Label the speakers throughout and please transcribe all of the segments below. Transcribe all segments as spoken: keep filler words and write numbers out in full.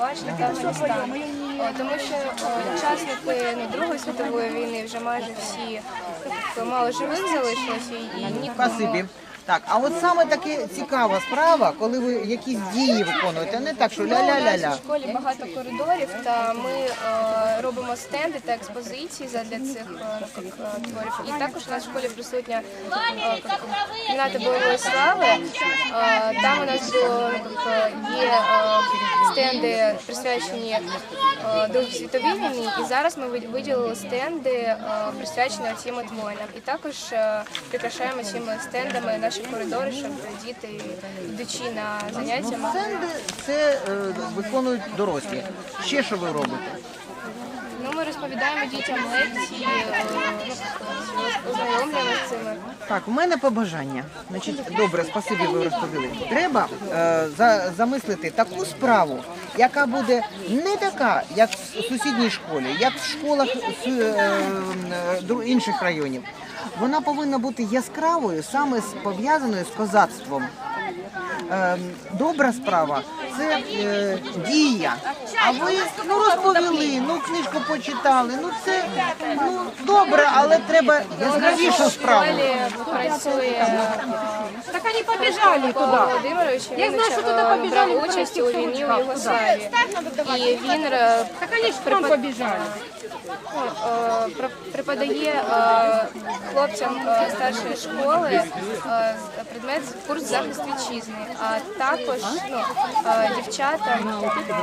Speaker 1: Словаччини та Афганістану. О, Тому що о, учасники ну, Другої світової війни вже майже всі ну, мало живих залишилося і нікому.
Speaker 2: Спасибі. Так, а от саме таке цікава справа, коли ви якісь дії виконуєте, не так, що
Speaker 1: Ну, у нас
Speaker 2: ля-ля-ля-ля.
Speaker 1: в школі багато коридорів, та ми е, робимо стенди та експозиції для цих е, як, е, творів. І також у нас в школі присутня е, як, кімната бойової слави. Е, там у нас було, як, є е, стенди, присвячені е, Другій світовій війні, і зараз ми виділили стенди, е, присвячені цим от воїнам. І також е, прикрашаємо цими стендами наші коридори, щоб діти, йдучи на заняття, могли...
Speaker 2: Стенди це е, виконують дорослі. Ще що ви робите?
Speaker 1: Ну, ми розповідаємо дітям лекції, е, ну, ознайомлюємо з цими.
Speaker 2: Так, у мене побажання. Значить, добре, спасибі, ви розповіли. Треба е, за, замислити таку справу, яка буде не така, як в сусідній школі, як в школах з, е, е, інших районів. Вона повинна бути яскравою, саме з- пов'язаною з козацтвом. Е, добра справа – це е, дія. А ви ну, розповіли, ну книжку почитали, ну це ну, добре, але треба яскравішу справу.
Speaker 1: В школі працює
Speaker 3: Так они побежали
Speaker 1: Микола
Speaker 3: туда.
Speaker 1: Володимирович,
Speaker 3: Я
Speaker 1: він
Speaker 3: знаю, що туди
Speaker 1: е,
Speaker 3: побіжали
Speaker 1: брав участь у війні у Югославії. І він е,
Speaker 3: Так они же к нам побежали.
Speaker 1: ну, е, при- преподає е, хлопцям е, старшої школи е, предмет курс захист вітчизни, а також ну, е, дівчатам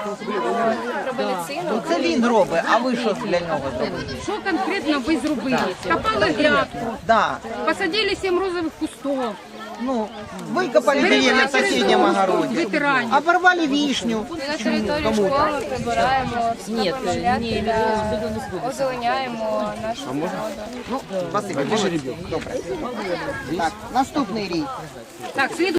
Speaker 1: е, про медицину.
Speaker 2: Це він робить, а ви що для нього зробите?
Speaker 3: Что конкретно вы зробили? Копали грядку,
Speaker 2: Да.
Speaker 3: посадили семь розовых кустов,
Speaker 2: Ну, викопали її на сусідньому огороді,
Speaker 3: ветеранів.
Speaker 2: оборвали вишню.
Speaker 1: І на території школи прибираємо, вскопуємо грядки та озеленяємо нашу природу.
Speaker 2: Ну, спасибі, молодці. Добре. Так, наступний рік.
Speaker 3: Так, слід